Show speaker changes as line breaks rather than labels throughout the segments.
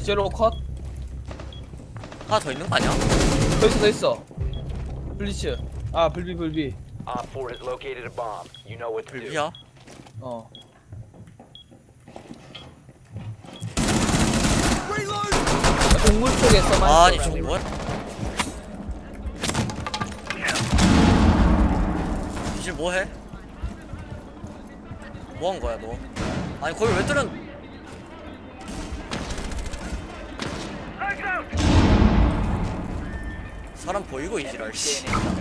제로 컷.
하나 더 있는 거 아니야?
더 있어. 블리츠. 아 불비.
Op 4 has located a bomb. You know what to do.
불비야?
어. 동물 쪽에 써만.
아니 저거 뭐야? 이제 뭐해? 뭐한 거야 너? 아니 거기 왜 뚫은? 사람 보이고 이지랄 씨.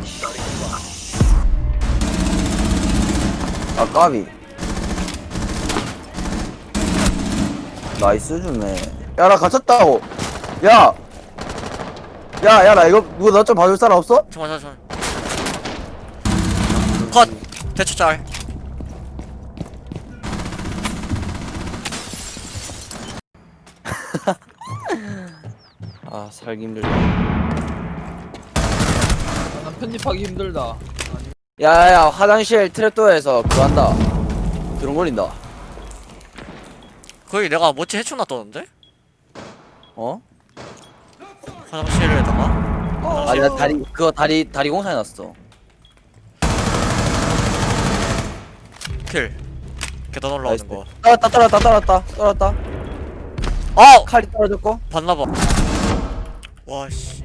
아 까비 나이스 주네. 야 나 갇혔다고. 야 나 이거 누가 나 좀 봐줄 사람 없어?
잠깐만. 컷! 대처 짤.
아 살기 힘들다.
난 편집하기 힘들다.
야야 화장실 트랩도어에서 그거 한다. 드론 걸린다.
거기 내가 멋지 해충 놨던데?
어?
화장실에다가?
아니 나 다리 공사해놨어.
킬 계단 올라오는 거.
떨어졌다.
아!
칼이 떨어졌고.
봤나봐. 와씨.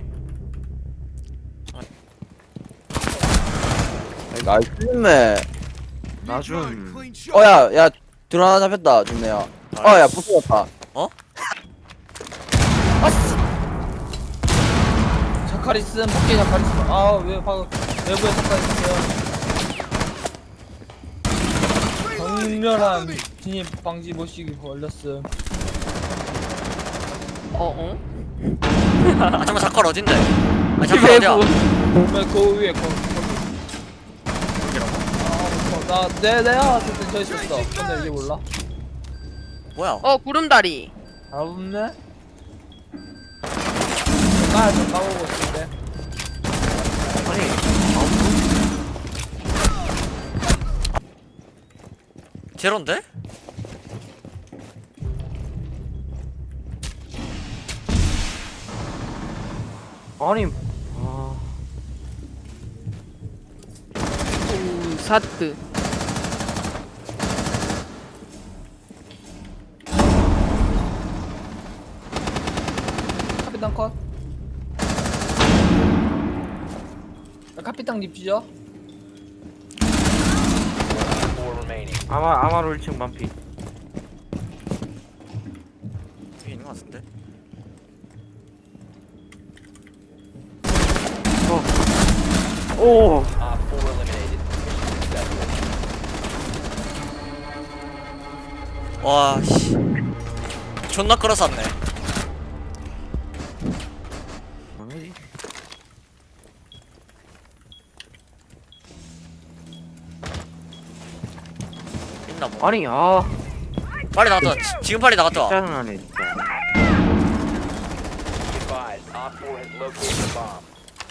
나이스 주네.
나좀
야 드론 하나 잡혔다 준네야. 야 부서졌다.
어?
자카리슨 밖에 자카리슨. 아왜 방금 내부에 자카리슨이야. 강렬한 진입 방지 모시기 걸렸음.
아 잠깐만 잠깐 어딘데? 아니 잠깐 어디야?
그 위에 거기. 내가 봤을 땐 저 있었어. 근데 이제 몰라.
뭐야?
구름다리.
잘 없네. 좀 까보고 있는데.
제로인데?
아니
사트.
카피탕 컷. 카피탕 립지죠?
4 remaining.
아마로 1층 반피.
여기 있는 거 같은데?
오
Op 4 eliminated. Mission successful.
와씨. 존나 끌어쌌네.
뭐지?
있나 뭐.
아니
빨리 나갔다 와. 지금 빨리 나갔다 와.
짜증나네 진짜.
Be advised, Op 4 has located a bomb.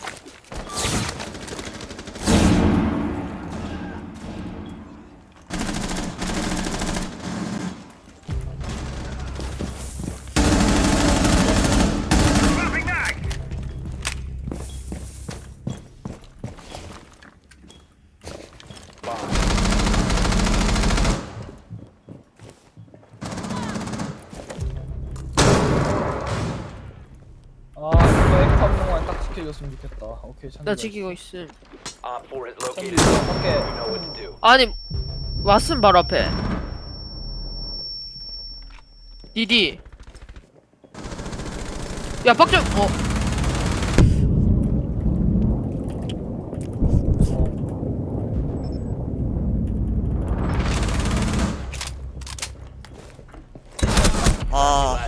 이거 에코 한 명만 딱 지켜줬으면 좋겠다. 오케이,
나 지키고 있음.
Op 4 has
천지
located a bomb.
밖에.
You know what to do.
아니 왔음 바로 앞에. 디디. 야 박정.
아.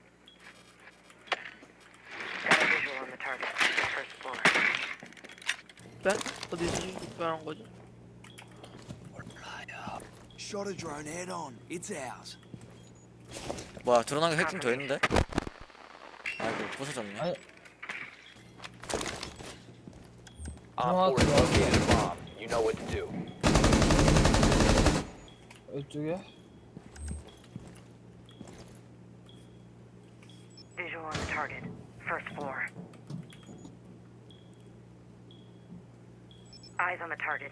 백? 어디서 집중하는 거지?
Shot a drone head on. It's ours.
뭐야 드러난 게 해킹 돼 있는데? 아이고 부서졌네.
아니,
Op 4 has located a bomb. You know what to do.
이쪽에.
Eyes on the target.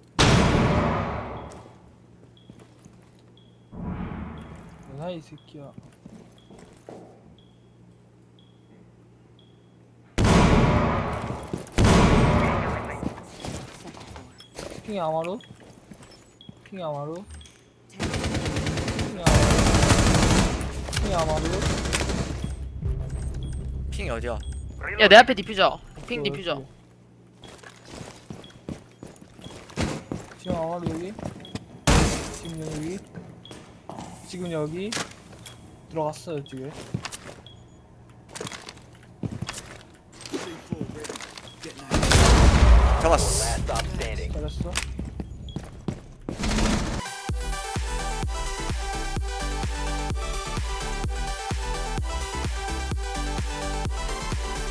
뭐야 이 새끼야. 핑이 아마루. 핑이 아마루. 핑이 아마루. 핑이 아마루.
핑이 어디야?
야 내 앞에 디퓨저. 핑 디퓨저.
지금 아마루 여기. 지금 여기. 지금 여기. 들어갔어요 집에.
잡았어.
Last stop standing.
잘했어.